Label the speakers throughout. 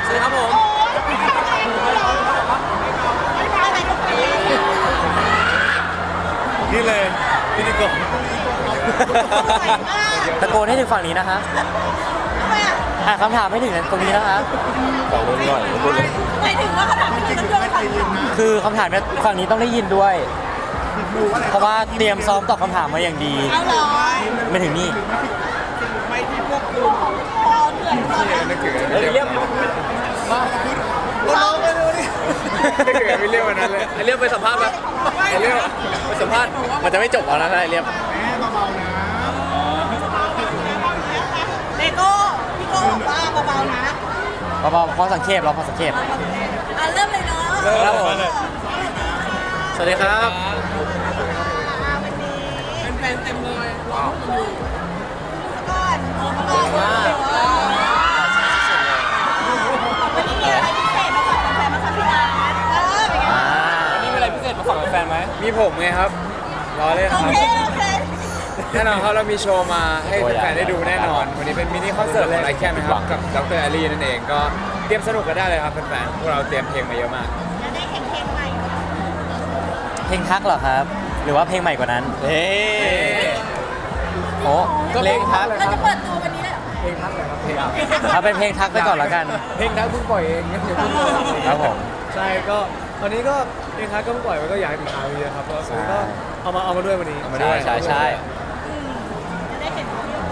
Speaker 1: วัสดีครับผมนี่เลยพิธีกร
Speaker 2: ตะโกนให้ถึงฝั่งนี้นะคะคำถามให้ถึงตรงนี้นะคะฝั่งนู้นหน่อย
Speaker 3: หมายถึงว่าคำถามที่มันเรื่องอะไร
Speaker 2: คือคำถามเนี่ยฝั่งนี้ต้องได้ยินด้วย เพราะว่าเตรียมซ้อมตอบคำถามมาอย่างดี
Speaker 3: เอาเหรอ
Speaker 2: ไม่ถึงนี่
Speaker 3: ไม่ที่พวกคุณพอเหนื่อย
Speaker 1: เรียกมาน้องไปดูดิไม่เกิดไม่เรียกวันนั้นเลยไอเรียกไปสัมภาษณ์ปะไอเรียกไปสัมภาษณ์มันจะไม่จบเอานะไอเรียก
Speaker 3: เลโก้พี่โก้บอกว่าเบาๆนะ
Speaker 2: เบาๆพอสังเกตเราพอสังเกต
Speaker 3: เริ่มเลยเนาะ
Speaker 2: ครับผม
Speaker 1: สวัสดีครับ
Speaker 3: วันนี้เป็นแฟนเต็มเลยก่อนวันนี้มีอะไรพิเศษมาฝากแฟนๆมาฝากพี่นัทเป็นไง
Speaker 1: วันนี้มีอะไรพิเศษมาฝากแฟนไหมมีผมไงครับรอเลยครับแน่นอนครับเรามีโชว์มาให้แฟนได้ดูแน่นอนวันนี้เป็นมินิคอนเสิร์ตของไอแคนนะครับกับดร.แอลลี่นั่นเองก็เตรียมสนุกกันได้เลยครับแฟนๆพวกเราเตรียมเพลงมาเยอะมาก
Speaker 3: จะได้เพลงใหม่
Speaker 2: เพลงทักเหรอครับหรือว่าเพลงใหม่กว่านั้นโอ้
Speaker 1: ก็เพลงทักเลยครับ
Speaker 3: เราจะเปิดตัววันนี้เลย
Speaker 1: เพลงทักเลยครับเพลง
Speaker 2: เอาเป็นเพลงทักไปก่อนแล้วกัน
Speaker 1: เพลงทักเพิ่งปล่อยเองงั้นเดี๋ยว
Speaker 2: ครับผม
Speaker 1: ใช่ก็ตอนนี้ก็เพลงทักก็เพิ่งปล่อยมันก็อยากให้ติดตามเยอะครับแล้วก็เอามาด้วยวันนี้
Speaker 2: ใช่
Speaker 3: จะได้เห็น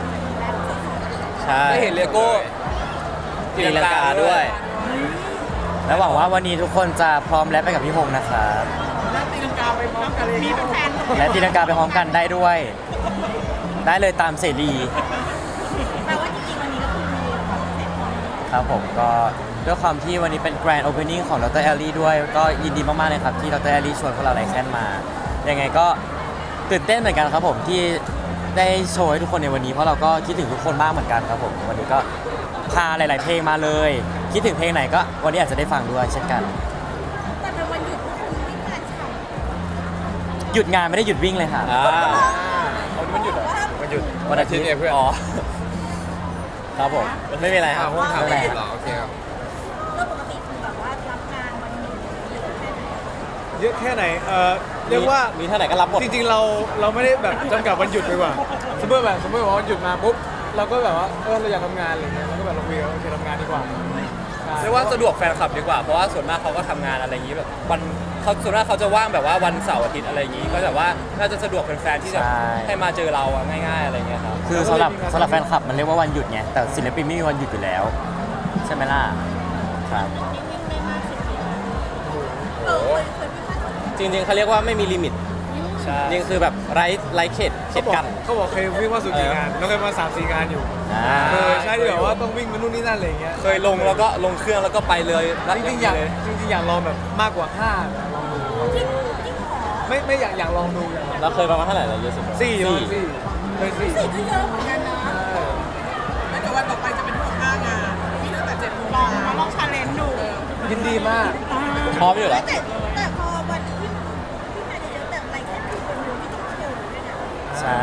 Speaker 2: ได้
Speaker 1: เห็นเลโก้
Speaker 2: ตีลังกาด้วยและหวังว่าวันนี้ทุกคนจะพร้อมแรปไปกับพี่พงษ์นะครับ
Speaker 3: และตีลังกาไปพร้อมกันเลยมีแฟน
Speaker 2: และตีลังกาไปพร้อมกันได้ด้วย ได้เลยตามเสรี
Speaker 3: แปลว่าจริงๆวันนี้ก็คือมีความพิเศษ
Speaker 2: ครับผมก็ด้วยความที่วันนี้เป็น Grand Opening ของดร.แอลลี่ด้วยก็ยินดีมากๆเลยครับที่ดร.แอลลี่ชวนพวกเราไลแคนมายังไงก็ตื่นเต้นเหมือนกันครับผมที่ได้โชว์ให้ทุกคนในวันนี้เพราะเราก็คิดถึงทุกคนมากเหมือนกันครับผมวันนี้ก็พาหลายๆเพลงมาเลยคิดถึงเพลงไหนก็วันนี้อาจจะได้ฟังด้วยเช่นกัน
Speaker 3: แต่เป็นวันหยุดพวกคุณวิ่งงานฉ่
Speaker 2: ำหยุดงานไม่ได้หยุดวิ่งเลยค่ะ
Speaker 1: มันหยุดมันหยุด
Speaker 2: วันอาทิตย์
Speaker 1: เพื่อน
Speaker 2: ครับผมไม่มีอะไรครับ
Speaker 1: ไม่มีอะไรโอเคครับ
Speaker 3: ก็ปกติคือแบบว่ารับงานวันหนึ่ง
Speaker 1: เยอะแค่ไหนเรียกว่า
Speaker 2: มีเท่าไหร่ก็รับหมด
Speaker 1: จริงๆเราไม่ได้แบบจำกัดวันหยุดดีกว่าสมมติว่าวันหยุดมาปุ๊บเราก็แบบว่าเราอยากทำงานอะไรเงี้ยเราก็แบบเราคุยว่าโอเคทำงานดีกว่า
Speaker 4: เรียกว่าสะดวกแฟนคลับดีกว่าเพราะว่าส่วนมากเขาก็ทำงานอะไรอย่างนี้แบบวันเขาส่วนมากเขาจะว่างแบบว่าวันเสาร์อาทิตย์อะไรอย่างนี้ก็แบบว่าน่าจะสะดวกแฟนๆที่จะให้มาเจอเราง่ายๆอะไรเงี้ยครับ
Speaker 2: คือสำหรับแฟนคลับมันเรียกว่าวันหยุดไงแต่ศิลปินไม่มีวันหยุดอยู่แล้วใช่ไหมล่ะครับ
Speaker 4: จริงๆเขาเรียกว่าไม่มีลิมิตนี่คือแบบไร้เขตกัน
Speaker 1: เขาบอกเคยวิ่งมาสุดกี่งานเราเคยมา 3-4 งานอยู่ใช่ที่แบบว่าต้องวิ่งมานู่นนี่นั่นอะไรเงี้ย
Speaker 4: เคยลงแล้วก็ลงเครื่องแล้วก็ไปเลย
Speaker 1: จริงๆอยากลองแบบมากกว่า5ลองดูไม่อยากลองดู
Speaker 2: เราเคยประมาณเท่าไหร่เราเยอะสุด
Speaker 1: 4เคย
Speaker 3: 4ก็เยอะเหมือนกันนะแล้วเดี๋ยววันต่อไปจะเป็น5 งานมีตั้งแต่7 โมงลองชาเลนจ์ดู
Speaker 1: ยินดีมาก
Speaker 2: พร้อมอยู่แล้ว
Speaker 3: แต่พอวันที่งานเยอะแต่อะไรแค่คือคนนึงที่ต้องเที่ยวด้วยนะ
Speaker 2: ใช่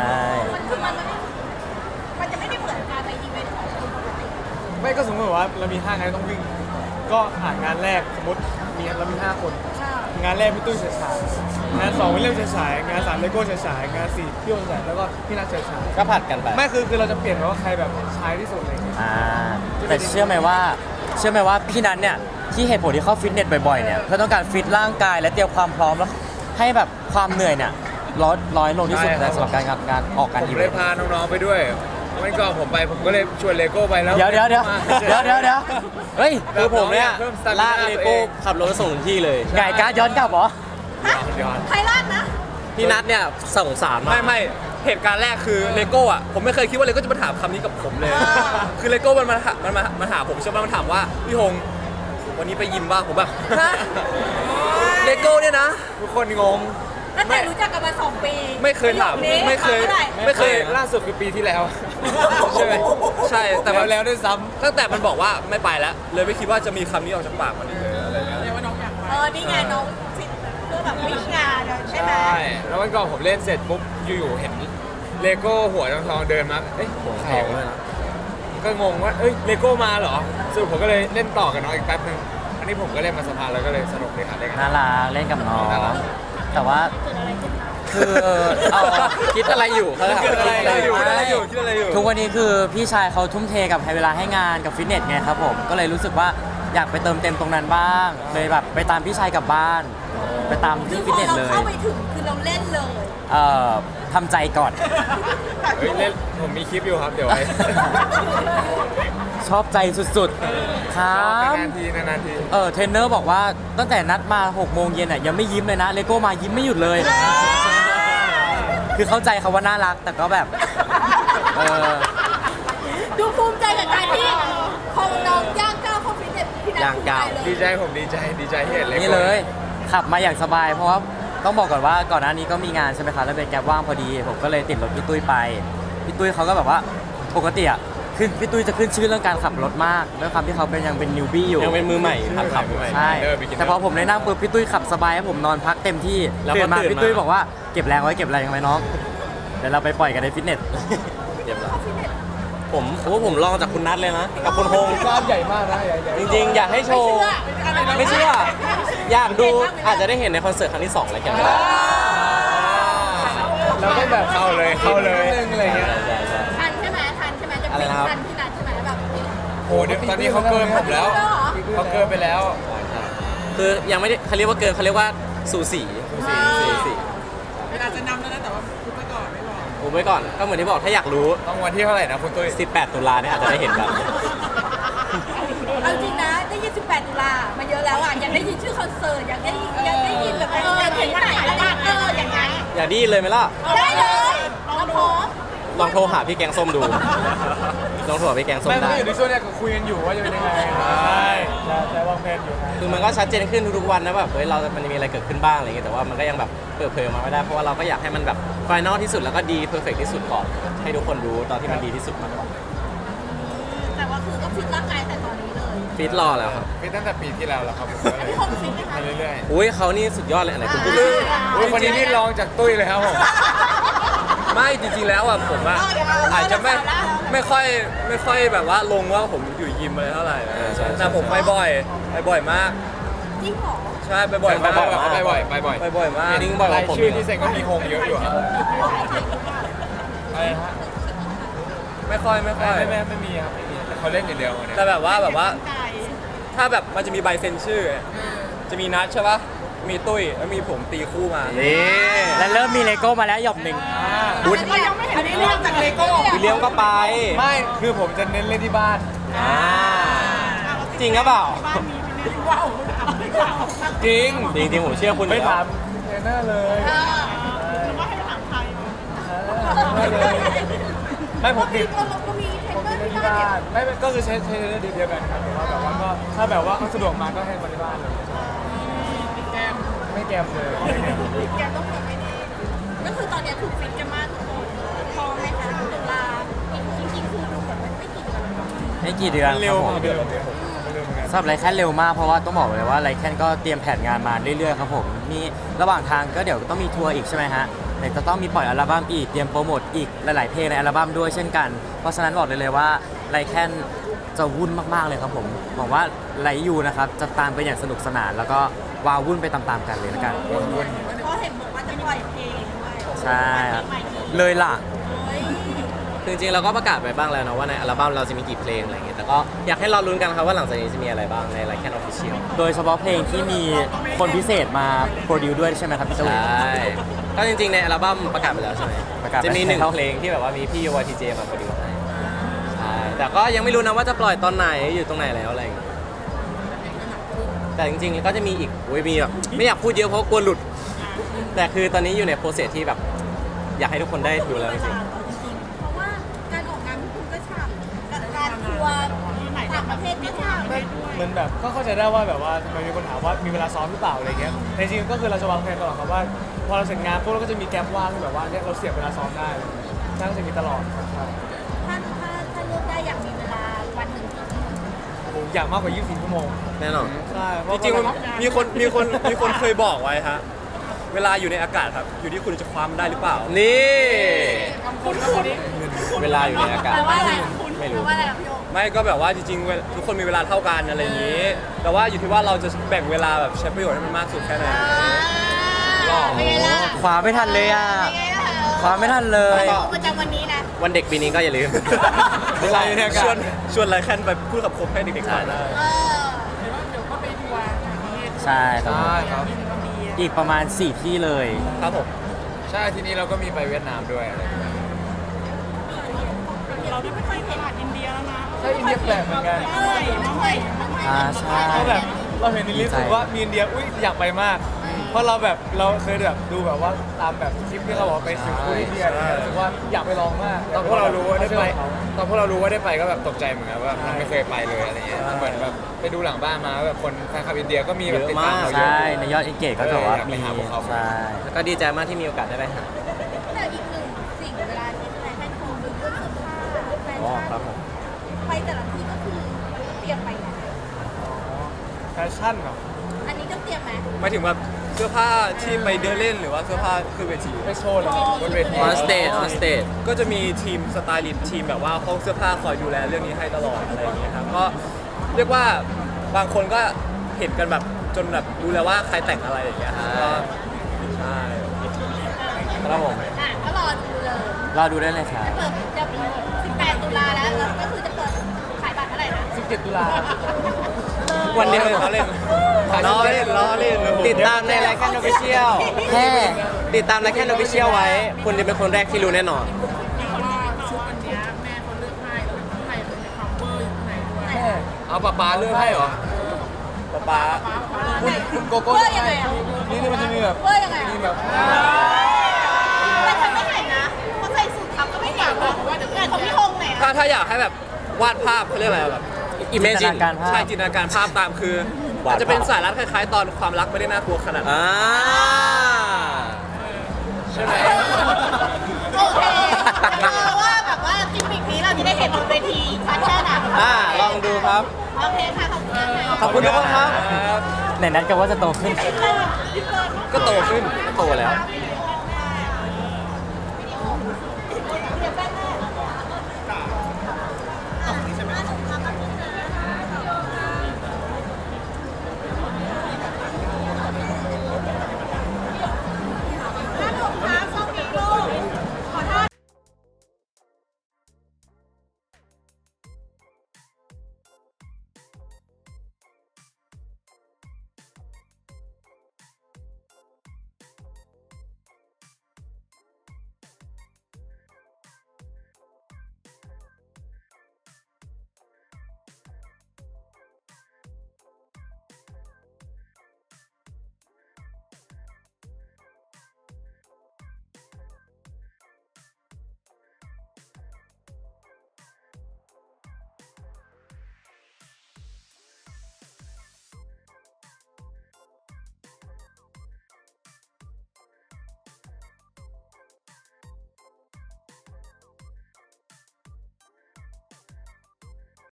Speaker 3: มันจะไม่ได้เหมือนการไปอีเวนต์ของคนปกติ
Speaker 1: ไม่ก็สมมติว่าเรามี5 งานต้องวิ่งก็งานแรกสมมติเรามี5 คนงานแรกพี่ตุ้ยเฉยฉายงาน2วิลเลียมเฉยฉายงาน3เลโก้เฉยฉายงาน4พี่โอเฉยฉายแล้วก็พี่นัทเฉยฉาย
Speaker 2: ก็ผัดกันไป
Speaker 1: ไม่คือเราจะเปลี่ยนว่าใครแบบใช้ที่สุดอะไรอย่างเงี้ย
Speaker 2: แต่เชื่อไหมว่าพี่นัทเนี่ยที่เหตุผลที่เข้าฟิตเนสบ่อยๆเนี่ยเพื่อต้องการฟิตร่างกายและเตรียมความพร้อมแล้วให้แบบความเหนื่อยเนี่ยร้อยลงที่สุดสำหรับการออกการอีเวนต์
Speaker 1: ผมเลยพาน้องๆไปด้วยวันก่อนผมก็เลยชวนเลโก้ไปแล้ว
Speaker 2: เดี๋ยวเฮ้ยคือผมเนี่ยลากเลโก้ขับรถส่งที่เลยไงการย้อนกลับเหรอ
Speaker 3: ใครลากนะ
Speaker 2: พี่นัทเนี่ยสงสารมาก
Speaker 4: ไม่เหตุการณ์แรกคือเลโก้อะผมไม่เคยคิดว่าเลโก้จะมาถามคำนี้กับผมเลยคือเลโก้มันมาหาผมใช่ไหมมันถามว่าพี่ฮงวันนี้ไปยิมบ้างผมแบบเลโก้เนี่ยนะ
Speaker 1: ทุกคนงง
Speaker 3: ตั้งแต่รู้จักกันมา2 ปี
Speaker 4: ไม่เคยถามไม่เคย
Speaker 1: ล่าสุดคือปีที่แล้ว
Speaker 4: ใช่ไหมใช่แต่
Speaker 1: แล้วด้วยซ้
Speaker 4: ำตั้งแต่มันบอกว่าไม่ไปแล้วเลยไม่คิดว่าจะมีคำนี้ออกจากปากมันเลยอะไรเงี้ย
Speaker 3: เรียกว่าน้องอยากไปนี่ไงน้องเพื่อแบบวิ่งงานใช่ไหม
Speaker 1: แล้ววันก่อนผมเล่นเสร็จปุ๊บอยู่ๆเห็นเลโก้หัวทองเดินมาหัวทองเลยนะก็งงว่าเอ้ยเลโก้มาเหรอสรุปผมก็เลยเล่นต่อกับน้องอีกแป๊บนึงอันนี้ผมก็เล่นมาสักพักแล้วก็เลยสนุกเลยครับเล่นกัน
Speaker 2: น่ารักเล่นกับน้อง
Speaker 1: น่ารัก
Speaker 2: แต่ว่าคือเอา
Speaker 4: คิดอะไรอยู่เขาถาม
Speaker 1: คิดอะไรอยู่
Speaker 4: คิดอะไรอยู่
Speaker 2: ทุกวันนี้คือพี่ชายเขาทุ่มเทกับเวลาให้งานกับฟิตเนสไงครับผมก็เลยรู้สึกว่าอยากไปเติมเต็มตรงนั้นบ้างเลยแบบไปตามพี่ชายกลับบ้าน ไปตาม
Speaker 5: คื
Speaker 2: ที่
Speaker 5: อพ
Speaker 2: ฟิต
Speaker 5: อ
Speaker 2: เนส
Speaker 5: เรา
Speaker 2: เลย
Speaker 5: เข้าไปถึงคือเราเล่นเลย
Speaker 2: ทำใจก่อน
Speaker 1: เฮ้ยเล่นผมมีคลิปอยู่ครับเดี๋ยวไว้
Speaker 2: ชอบใจสุดๆครับ
Speaker 1: นานๆทีนานๆที
Speaker 2: เทรนเนอร์บอกว่าตั้งแต่นัดมา6โมงเย็นอ่ะยังไม่ยิ้มเลยนะเลโก้มายิ้มไม่หยุดเลย คือเข้าใจเขาว่าน่ารักแต่ก็แบบเออ
Speaker 5: ดูภูมิใจกับการที่พอน้องย่างก้าวเข้าฟิตเนสพี่นัท
Speaker 2: ย่างก้าว
Speaker 5: ภูมิ
Speaker 1: ดี
Speaker 5: ใจ
Speaker 1: ใจผมดีใจที่เห็นเลโก้
Speaker 2: นี่เลยขับมาอย่างสบายเพราะว่าต้องบอกก่อนว่าก่อนหน้านี้ก็มีงานใช่ไหมคะแล้วเป็นแกร็บว่างพอดีผมก็เลยติดรถพี่ตุ้ยไปพี่ตุ้ยเขาก็แบบว่าปกติอ่ะขึ้นพี่ตุ้ยจะขึ้นชื่อเรื่องการขับรถมากด้วยความที่เขาเป็นยังเป็นนิวบี้อยู่
Speaker 4: ยังเป็นมือใหม่หัดขับ
Speaker 2: ใช่ แต่พอผมได้นั่งปุ๊บพี่ตุ้ยขับสบายให้ผมนอนพักเต็มที่
Speaker 4: แล้วพอ
Speaker 2: ตื่นมา
Speaker 4: ตื่นมา
Speaker 2: พี่ตุ้ยบอกว่าเก็บแรงไว้เก็บแรงไว้น้องเดี๋ยวเราไปปล่อยกันในฟิตเนส
Speaker 4: เรียบร้อยผมลองจากคุณนัทเลยนะ กับคุณพงษ์
Speaker 1: กล้ามใหญ่มากนะใหญ่
Speaker 4: จริงๆ อยากให้โช
Speaker 5: ไม่
Speaker 4: ว์
Speaker 5: เชื่อ
Speaker 4: ไม่เชื่อ อยากดูอาจจะได้เห็นในคอนเสิร์ตครั้งที่2อะไรกันก็ได้
Speaker 1: เราก็แบบเข้าเลยอะไรเงี้ย
Speaker 5: ทันใช่ไหมทันใช่ไหมจะ
Speaker 4: อะไร
Speaker 5: เป็น
Speaker 4: นะครับ
Speaker 5: ทันพี่นัทใช่ไหมแบบ
Speaker 1: โอ้เดี๋ยวตอนนี้เขาเกินผมแล้วเขาเกินไปแล้ว
Speaker 4: คือยังไม่ได้เขาเรียกว่าเกินเขาเรียกว่าสูสี สูสี
Speaker 3: เวลาจะนำแล้วนะแต่ว่าคุณไปก่อนไม่บอก
Speaker 4: ผมไว้ก่อนก็เหมือนที่บอกถ้าอยากรู้
Speaker 1: ต้องวันที่เท่าไหร่นะคุณตุ้ย
Speaker 4: 18 ตุลาเนี่ยอาจจะได้เห็นแบบ
Speaker 5: เอาจริงนะได้ยิน18 ตุลามาเยอะแล้วอ่ะอยากได้ยินชื่อคอนเสิร์ตอยากได้ยินแบบเห็นที่ไหนอะไรอย่างเงี้ย
Speaker 4: อย่าดีเลยไหมล่ะ
Speaker 5: ได้เลยเราพร้อม
Speaker 4: ลองโทรหาพี่แกงส้มดู ลองโทรหาพี่แกงส้ม
Speaker 1: แม่
Speaker 4: ได้
Speaker 1: ก็อยู่ในช่วงเนี้ยก็คุยกันอยู่ว่าจะเป็นยังไงใช่วางแผนอยู่นะ
Speaker 4: คือมันก็ชัดเจนขึ้นทุกๆวันนะแบบเฮ้ยมันมีอะไรเกิดขึ้นบ้างอะไรอย่างเงี้ยแต่ว่ามันก็ยังแบบเปิดเผยออกมาไม่ได้เพราะว่าเราก็อยากให้มันแบบไฟนอลที่สุดแล้วก็ดีเพอร์เฟกที่สุดก่อนให้ทุกคนรู้ตอนที่มันดีที่สุดมากกว่า
Speaker 5: แต่ว่าคือก็ฟิตร่างกายแต่ตอนนี้เลย
Speaker 4: ฟิตรอแล้วครับ
Speaker 1: พี่ตั้งแต่ปีที่แล้วแล้วครับผมก็เลย
Speaker 5: พี่คงฟิตไหมคะ
Speaker 1: มาเรื่อย
Speaker 4: อุ้ยเขานี่สุดยอดเลยอันไหนคุณพูดสิ
Speaker 1: ๆอุ้ยคนนี้นี่ลองจากตุ้ยเลยครับผม
Speaker 4: ไม่จริงๆแล้วอ่ะผมอ่ะอาจจะไม่ค่อยแบบว่าลงว่าผมอยู่ยิมอะไรเท่าไหร่แต่ผมไปบ่อยมาก
Speaker 5: จริงเหรอ
Speaker 4: ใช่ไปบ่อย
Speaker 1: ไปบ่อยไปบ่อย
Speaker 4: ไปบ่อยมาก
Speaker 1: นิ่งบ่อยผมชื่อที่เซ็นก็มีโฮงเยอะอยู่ครับอะไรฮะ
Speaker 4: ไม่ค่อย
Speaker 1: ไม่มีครับไม่มีแต่เขาเล่นอย่างเดียวเนี่ย
Speaker 4: แต่แบบว่าถ้าแบบมันจะมีใบเซ็นชื่อ จะมีนัดใช่ปะมีตุ้ยแล้วมีผมตีคู่มา
Speaker 2: นี่แล้วเริ่มมีเลโก้มาแล้วหยอบหนึ่ง
Speaker 5: อันนี้ยังไม่เห็นอันนี้เรื่องจากเลโก้
Speaker 4: วิลเลียมก็ไป
Speaker 1: ไม่คือผมจะเน้นเล่นที่บ้าน
Speaker 4: จริงหรือเปล่า
Speaker 3: ว้าว
Speaker 1: จริง
Speaker 4: จริงๆผมเชื่อคุณ
Speaker 1: ไม่
Speaker 4: อยู่แล้ว
Speaker 1: ถามเทรนเนอร์เลย
Speaker 3: ว่าให้ถามใคร
Speaker 1: ไม่ผมติด
Speaker 5: เรามีเทรนเนอร์
Speaker 1: เล่น
Speaker 5: ที่
Speaker 1: ที่
Speaker 5: บ้า
Speaker 1: บ้าน นไม่ก็คือใช้เทรนเนอร์เดียวกันครับแต่ว่าแบบว่าก็ถ้าแบบว่าเขาสะดวกมาก็ให้มาที่บ้านเลยไม่แกมเลยไม่แกม
Speaker 5: แกต้องแบบไม่ได้ก็คือตอนนี้ถูกฟิตกันมากทุกคนพอไหมคะตุลาจริงๆคือดูแบบไม่กี่เดือน
Speaker 2: ไม่กี่เดือน
Speaker 1: เร็ว
Speaker 2: ครับผม
Speaker 1: เร็วเหมือนกัน
Speaker 2: สำหรับไลแคนเร็วมากเพราะว่าต้องบอกเลยว่าไลแคนก็เตรียมแผนงานมาเรื่อยๆครับผมมีระหว่างทางก็เดี๋ยวต้องมีทัวร์อีกใช่ไหมฮะเดี๋ยวจะต้องมีปล่อยอัลบั้มอีกเตรียมโปรโมทอีกหลายๆเพลงในอัลบั้มด้วยเช่นกัน เพราะฉะนั้นบอกเลยว่าไลแคนจะวุ่นมากๆเลยครับผมหวังว่าไลยูนะครับจะตามไปอย่างสนุกสนาน แล้วก็วาวุ่นไปตามๆกันเลยแล้วกัน
Speaker 1: วน
Speaker 5: เพราะเห็นบอกว่าจะปล่อยเพลงด้วย
Speaker 2: ใช่ครับเลยล่ะ
Speaker 5: เฮ้ย
Speaker 4: คือจริงๆเราก็ประกาศไปบ้างแล้วนะว่าในอัลบั้มเราจะมีกี่เพลงอะไรอย่างเงี้ยแต่ก็อยากให้เราลุ้นกันครับว่าหลังจากนี้จะมีอะไรบ้างใน Like Can Official
Speaker 2: โดยเฉพาะเพลงที่มีคนพิเศษมาโปรดิวด้วยใช่ไหมครับพี่ตุ้
Speaker 4: ใช
Speaker 2: ย่
Speaker 4: ก็จริงๆในอัลบั้มประกาศไปแล้วใช่ไหม
Speaker 2: ประกาศไป
Speaker 4: จะมีหนึ่ง
Speaker 2: แล้ว
Speaker 4: เพลงที่แบบว่ามีพี่ YTJ มาโปรดิวให้ใช่แต่ก็ยังไม่รู้นะว่าจะปล่อยตอนไหนอยู่ตรงไหนแล้วอะไรอย่างเงี้ยแต่จริงๆก็จะมีอีกโอ้ยมีแบบไม่อยากพูดเยอะเพราะกลัวหลุด แต่คือตอนนี้อยู่ในโปรเซสที่แบบอยากให้ทุกคนได้ดูแล้วจริง
Speaker 5: เพราะว่าการออกงานของคุณก็ฉ่ำกับการทัวร์ต่างประเทศก็ฉ่ำ
Speaker 1: เหมือนแบบก็เข้าใจได้ว่าแบบว่าทำไมมีคนถามว่ามีเวลาซ้อมหรือเปล่าอะไรเงี้ยแต่จริงๆก็คือเราจะวางแผนตลอดครับว่าพอเราเสร็จงานปุ๊บเราก็จะมีแกลบว่างที่แบบว่าเนี่ยเราเสียบเวลาซ้อมได้นั่งจะมีตลอดครับ
Speaker 5: ถ้าเลือกได้อยากมีเวลาวันหนึ่งกี่ชั่วโมง
Speaker 1: ผมอยากมากกว่า 24 ชั่วโมง
Speaker 4: ๆแน่นอน
Speaker 1: ใช่เพ
Speaker 4: จ
Speaker 1: ราะ
Speaker 4: ริงๆ
Speaker 1: ว่า
Speaker 4: มันมีคนเคยบอกไว้ฮะเวลาอยู่ในอากาศครับอยู่ที่คุณจะคว้ามันได้หรือเปล่า นี่เวลาอยู่ในอากาศ
Speaker 5: แปลว่าอะไร
Speaker 4: ไม่ไม่รู้
Speaker 5: ว่าอะไรอะพี่โยง
Speaker 4: ไม่ก็แบบว่าจริงๆทุกคนมีเวลาเท่ากันอะไรอย่างนี้ แต่ว่าอยู่ที่ว่าเราจะแบ่งเวลาแบบใช้ประโยชน์ให้มันมากสุดแค่ไหน
Speaker 5: เป็นไงล่ะ
Speaker 2: ขวาไม่ทันเลยอ่ะ
Speaker 5: เป็นไงล่ะ
Speaker 2: ขวาไม่ทันเลย
Speaker 5: ประจำวันนี้นะ
Speaker 6: วันเด็กปีนี้ก็อย่าลืม
Speaker 1: เวลาอยู่เนี่ย
Speaker 4: ชวนไรแคนไปพูดกับคมให้เด็กๆฟังได้
Speaker 5: เออ
Speaker 3: เดี๋ยวก็ไปทัวร์ต่างประเทศ
Speaker 2: ใช่ครับผม
Speaker 1: ใช่ครับ
Speaker 2: อีกประมาณ 4 ที่เลย
Speaker 4: ครับผม
Speaker 1: ใช่ทีนี้เราก็มีไปเวียดนามด้วยอะไรอย่างเงี้ย
Speaker 3: เราที่ไม่เคยเห็นอินเดียแล้วนะ
Speaker 1: ใช่อินเดียแปลกเหมือนกัน
Speaker 2: ใช่
Speaker 7: เราแบบเราเห็นในลิสต์รู้สึกว่ามีอินเดียอุ้ยอยากไปมาก เพราะเราแบบเราเคยแบบดูแบบว่าตามแบบคลิปที่เขาบอกไปสิงคโปร์อินเดียอะไรเงี้ยรู้สึกว่าอยากไปลองมาก
Speaker 1: ตอนพวกเรารู้ว่าได้ไปตอนพวกเรารู้ว่าได้ไปก็แบบตกใจเหมือนกันว่ามันไม่เคยไปเลยอะไรเงี้ยเหมือนแบบไปดูหลังบ้านมาแบบคนแฟนคลับอินเดียก็มีแบบติดตามเราเยอะ
Speaker 2: ใช่ในยอดเอนเกจก็จะว่า
Speaker 1: อยากไป
Speaker 2: มี
Speaker 1: หาพวกเขา
Speaker 2: ใช่
Speaker 6: แล้วก็ดีใจมากที่มีโอกาสได้ไปหา
Speaker 5: แต่อีกหนึ่งสิ่งเวลาที่แฟนคลับดูเรื่องเสื้อผ้าแฟ
Speaker 2: อ๋อ
Speaker 5: ชั่น
Speaker 2: ครับผม
Speaker 5: ไปแต่ละทีก็คือเตรียมไปนะ
Speaker 7: แฟชั่นเหรอ
Speaker 5: อันนี้ต้องเตรียมไหม
Speaker 4: หมายถึงแบบเสื้อผ้าที่ไปเดินเล่นหรือว่าเสื้อผ้าขึ้นเวที
Speaker 7: ไปโชว์เหรอบ
Speaker 1: นเวที
Speaker 6: ออนสเตจ
Speaker 4: ก็จะมีทีมสไตลิสต์ทีมแบบว่าห้องเสื้อผ้าคอยดูแลเรื่องนี้ให้ตลอดอะไรอย่างเงี้ยครับก็เรียกว่าบางคนก็เห็นกันแบบจนแบบรู้แล้วว่าใครแต่งอะไรอย่างเงี้ยครับก็ใช่
Speaker 2: ครับผม
Speaker 5: อ่ะก็รอดูเลย
Speaker 2: รอดูได้เลยครับ
Speaker 5: จะเปิดจะ18 ตุลาแล้วก็คือจะเปิดขายบัตรเมื่อไหร่นะ
Speaker 7: 17 ตุลา
Speaker 6: วันเดียว
Speaker 4: เขาเล่นล้อเล่นล้อเล่น
Speaker 6: ติดตามในรายการออฟฟิเชียล
Speaker 2: แค่
Speaker 6: ติดตามรายการออฟฟิเชียลไว้ คุณจะเป็นคนแรกที่รู้แน่นอน
Speaker 3: มีคนว่าชุดวันเนี้ยแม่เขาเลือกให้แล้วข้างในมันมีคัมเบอร์อยู่ข้างในด้วย
Speaker 1: เอาป๊าเลือกให้เหรอ
Speaker 4: ป๊า
Speaker 7: คุณโกโก้
Speaker 5: เวอร์ยังไงอ่ะ
Speaker 7: นี่มันจะมีแบบ
Speaker 5: เวอร์ยังไง
Speaker 7: มี
Speaker 5: อ่ะ
Speaker 7: แบบ
Speaker 5: แต่ฉันไม่เห็นนะเขาใส่สูททับก็ไม่เห็นนะงานของพี่ฮงไหน
Speaker 4: ถ้า
Speaker 5: อ่ะ
Speaker 4: ถ้าอยากให้แบบวาดภาพเขาเรียกอะไรแบบ
Speaker 6: Imagine
Speaker 2: จินตนาการภาพ
Speaker 4: ใช่จินตนาการภาพตามคือ
Speaker 6: วาดภาพ
Speaker 4: อาจจะเป็นสายรัดคล้ายๆ ตอนความรักไม่ได้น่ากลัวขนาดนั้น
Speaker 6: อ่า
Speaker 1: ใช่ไหม
Speaker 5: โอเคว่าแบบว่ากิมมิกนี้เราจะได้เห็นบนเวทีชัดแค่ไหน
Speaker 6: ลองดูครับ
Speaker 5: โอเคค่ะขอบคุณค่ะ
Speaker 6: ขอบคุณทุกคนครับ
Speaker 2: ไหนนัดกันว่าจะโตขึ้น
Speaker 4: ก็โตขึ้น
Speaker 6: โตแล้ว
Speaker 5: เ